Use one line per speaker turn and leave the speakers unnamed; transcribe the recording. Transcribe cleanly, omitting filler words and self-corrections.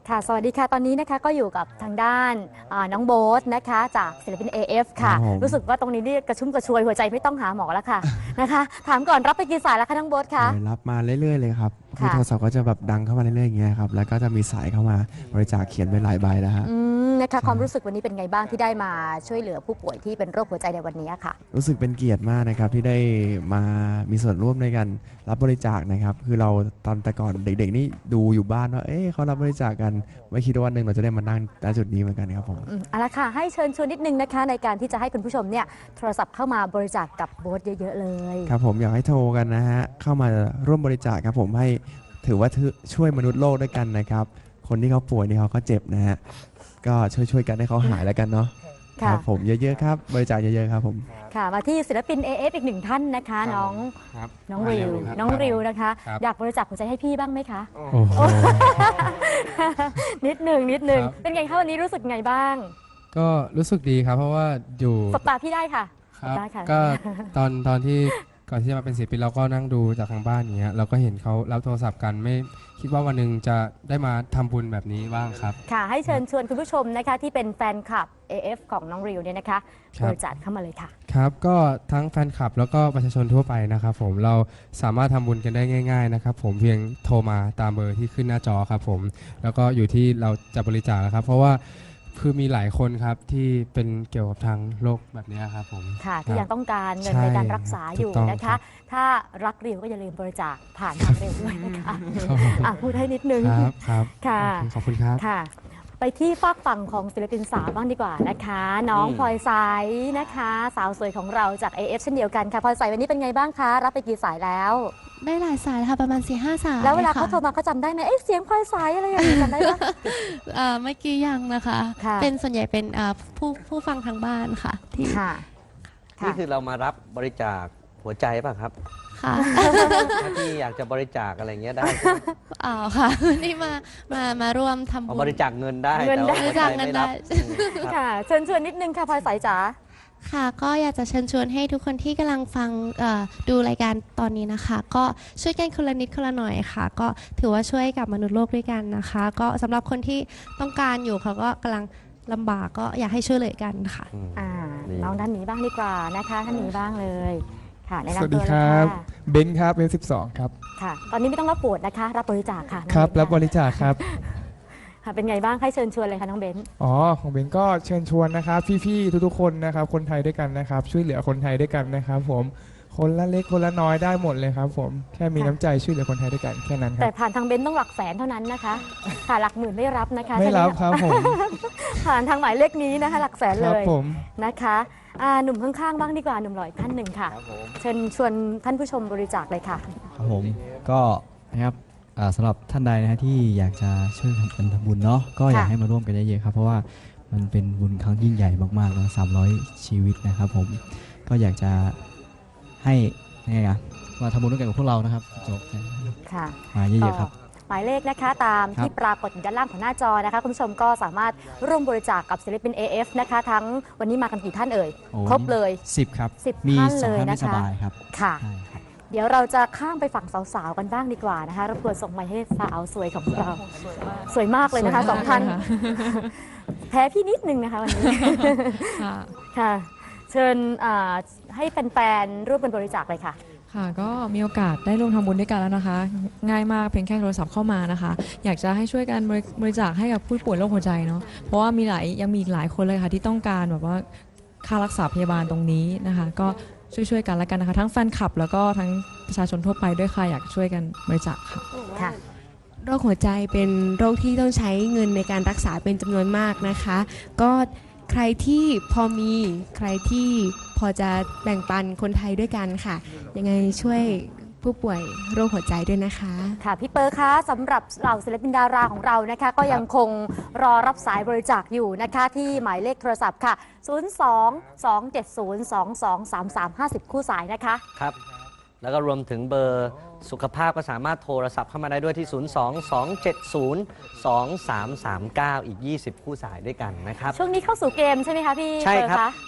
ค่ะสวัสดีค่ะตอนนี้นะคะก็อยู่กับทางด้านน้องโบ๊ทนะคะจากศิลปิน AF ค่ะรู้สึกว่าตรงนี้นี่กระชุ่มกระชวยหัวใจไม่ต้องหาหมอแล้วค่ะนะคะถามก่อนรับไปกี่สายแล้วคะน้องโบ๊ทคะ
รับมาเรื่อยๆเลยครับคือโทรศัพท์ก็จะแบบดังเข้ามาเรื่อยๆอย่างเงี้ยครับแล้วก็จะมีสายเข้ามาบริจาคเขียนไว้หลายใบแล้วฮะ
นะคะความรู้สึกวันนี้เป็นไงบ้างที่ได้มาช่วยเหลือผู้ป่วยที่เป็นโรคหัวใจในวันนี้ค่ะ
รู้สึกเป็นเกียรติมากนะครับที่ได้มามีส่วนร่วมในการรับบริจาคนะครับคือเราตอนแต่ก่อนเด็กๆนี่ดูอยู่บ้านว่าเขารับบริจาคกันไม่คิดว่าวันหนึ่งเราจะได้มานั่งณจุดนี้เหมือนกันครับผม
เอาละค่ะให้เชิญชวนนิดนึงนะคะในการที่จะให้คุณผู้ชมเนี่ยโทรศัพท์เข้ามาบริจาคกับโบ๊ทเยอะๆเลย
ครับผมอยากให้โทรกันนะฮะเข้ามาร่วมบริจาคครับผมให้ถือว่าช่วยมนุษย์โลกด้วยกันนะครับคนที่เขาป่วยนี่เขาก็เจ็บนะฮะก็ช่วยกันให้เขาหายแล้วกันเนาะครับผมเยอะๆครับบริจาคเยอะๆครับผม
ค่ะมาที่ศิลปิน AF อีกหนึ่งท่านนะคะน้องริวนะคะอยากบริจาคหัวใจให้พี่บ้างไหมคะนิดหนึ่งเป็นไงคะวันนี้รู้สึกไงบ้าง
ก็รู้สึกดีครับเพราะว่าอยู่
สบตาพี่ได้ค่ะ
ครับก็ตอนที่ก่อนที่จะมาเป็นศิลปินเราก็นั่งดูจากทางบ้านอย่างเงี้ยเราก็เห็นเขารับโทรศัพท์กันไม่คิดว่าวันหนึ่งจะได้มาทำบุญแบบนี้บ้างครับ
ค่ะให้เชิญชวนคุณผู้ชมนะคะที่เป็นแฟนคลับ AF ของน้องริวเนี่ยนะคะบริจาคเข้ามาเลยค่ะ
ครับก็ทั้งแฟนคลับแล้วก็ประชาชนทั่วไปนะครับผมเราสามารถทำบุญกันได้ง่ายๆนะครับผมเพียงโทรมาตามเบอร์ที่ขึ้นหน้าจอครับผมแล้วก็อยู่ที่เราจะบริจาคนะครับเพราะว่าคือมีหลายคนครับที่เป็นเกี่ยวกับทางโรคแบบนี้ครับผม
ค่ะที่ยังต้องการเงินในการรักษาอยู่นะคะถ้ารักริวก็อย่าลืมบริจาคผ่านทางริวด้วยนะคะพูดให้นิดนึง
ครับ
ค่ะ
ขอบคุณครับ
ค่ะไปที่ฝากฝั่งของศิลปินสาวบ้างดีกว่านะคะน้องพลอยสายนะคะสาวสวยของเราจาก AF เช่นเดียวกันค่ะพลอยสายวันนี้เป็นไงบ้างคะรับไปกี่สายแล้ว
ได้หลายสายค่ะประมาณ 4-5 สาย
แล้วเวลาเขาโทรมาเขาจำได้ไหมเสียงพลอยสายอะไรอย่างนี้จำได้ไหม
เมื่อกี้ยังนะคะเป็นส่วนใหญ่เป็นผู้ฟังทางบ้านค่ะที่
นี่คือเรามารับบริจาคหัวใจป่ะครับ
ค่ะ
ถ้าที่อยากจะบริจาคอะไรเงี้ยได้
ค่ะนี่มาร่วมทำบุญ
บริจาคเงินได้
บริจาคเงินได้
ค่ะเชิญนิดนึงค่ะพลอยสายจ๋า
ค่ะก็อยากจะเชิญชวนให้ทุกคนที่กำลังฟังดูรายการตอนนี้นะคะก็ช่วยกันคนละนิดคนละหน่อยค่ะก็ถือว่าช่วยกับมนุษย์โลกด้วยกันนะคะก็สำหรับคนที่ต้องการอยู่เขาก็กำลังลำบากก็อยากให้ช่วยเหลือกันค่ะ
น้องด้านนี้บ้างดีกว่านะคะท่านนี้บ้างเลยค่ะ
สวัสดีครับเบนครับเบน12ครับ
ค่ะตอนนี้ไม่ต้องรับปวดนะคะรับบริจาคค่ะ
ครับรับบริจาคครับ
เป็นไงบ้างให้เชิญชวนเลยค่ะน้องเบน
ของเบนก็เชิญชวนนะครับพี่ๆทุกๆคนนะครับคนไทยด้วยกันนะครับช่วยเหลือคนไทยด้วยกันนะครับผมคนละเล็กคนละน้อยได้หมดเลยครับผมแค่มีน้ำใจช่วยเหลือคนไทยด้วยกันแค่นั้นครับ
แต่ผ่านทางเบนต้องหลักแสนเท่านั้นนะคะค่ะหลักหมื่นไม่รับนะคะ
ไม่รับครับผม
ผ่านทางหมายเลขนี้นะคะหลักแสนเลย
ผม
นะคะหนุ่มข้างๆบ้างดีกว่าหนุ่มหล่อท่านหนึ่งค่ะเชิญชวนท่านผู้ชมบริจาคเลยค่ะ
ครับผมก็นะครับสำหรับท่านใดนะฮะที่อยากจะช่วยทำบุญเนาะก็อยากให้มาร่วมกันเยอะๆครับเพราะว่ามันเป็นบุญครั้งยิ่งใหญ่มากๆแล้ว300 ชีวิตนะครับผมก็อยากจะให้มาทำบุญด้วยกันกับพวกเรานะครับจบ
ค่ะ
มาเยอะๆครับ
หมายเลขนะคะตามที่ปรากฏอยู่ด้านล่างของหน้าจอนะคะคุณผู้ชมก็สามารถร่วมบริจาคกับศิลปิน AF นะคะทั้งวันนี้มากันกี่ท่านเอ่ยครบเลย
10ครับ
10ท่านเลยนะคะ
ค่ะ
เดี๋ยวเราจะข้ามไปฝั่งสาวๆกันบ้างดีกว่านะคะรบกวนส่งไมค์ให้สาวสวยของเราสวยมากเลยนะคะ2ท่านแพ้พี่นิดนึงนะคะวันนี้ค่ะเชิญให้แฟนๆร่วมกันบริจาคเลยค่ะ
ค่ะก็มีโอกาสได้ร่วมทำบุญด้วยกันแล้วนะคะง่ายมากเพียงแค่โทรศัพท์เข้ามานะคะอยากจะให้ช่วยกันบริจาคให้กับผู้ป่วยโรคหัวใจเนาะเพราะว่ายังมีอีกหลายคนเลยค่ะที่ต้องการแบบว่าค่ารักษาพยาบาลตรงนี้นะคะก็ช่วยกันแล้วกันนะคะทั้งแฟนคลับแล้วก็ทั้งประชาชนทั่วไปด้วยค่ะอยากช่วยกันบริจาค
ค่ะโรคหัวใจเป็นโรคที่ต้องใช้เงินในการรักษาเป็นจำนวนมากนะคะก็ใครที่พอมีใครที่พอจะแบ่งปันคนไทยด้วยกันค่ะยังไงช่วยผู้ป่วยโรคหัวใจด้วยนะคะ
ค่ะพี่เปอร์คะสำหรับเหล่าศิลปินดาราของเรานะคะก็ยังคงรอรับสายบริจาคอยู่นะคะที่หมายเลขโทรศัพท์ค่ะ02-270-2233 50คู่สายนะคะ
ครับแล้วก็รวมถึงเบอร์สุขภาพก็สามารถโทรศัพท์เข้ามาได้ด้วยที่ 02-270-2339 อีก 20 คู่สายด้วยกันนะครับ
ช่วงนี้เข้าสู่เกมใช่ไหมคะพี่เปอร์คะ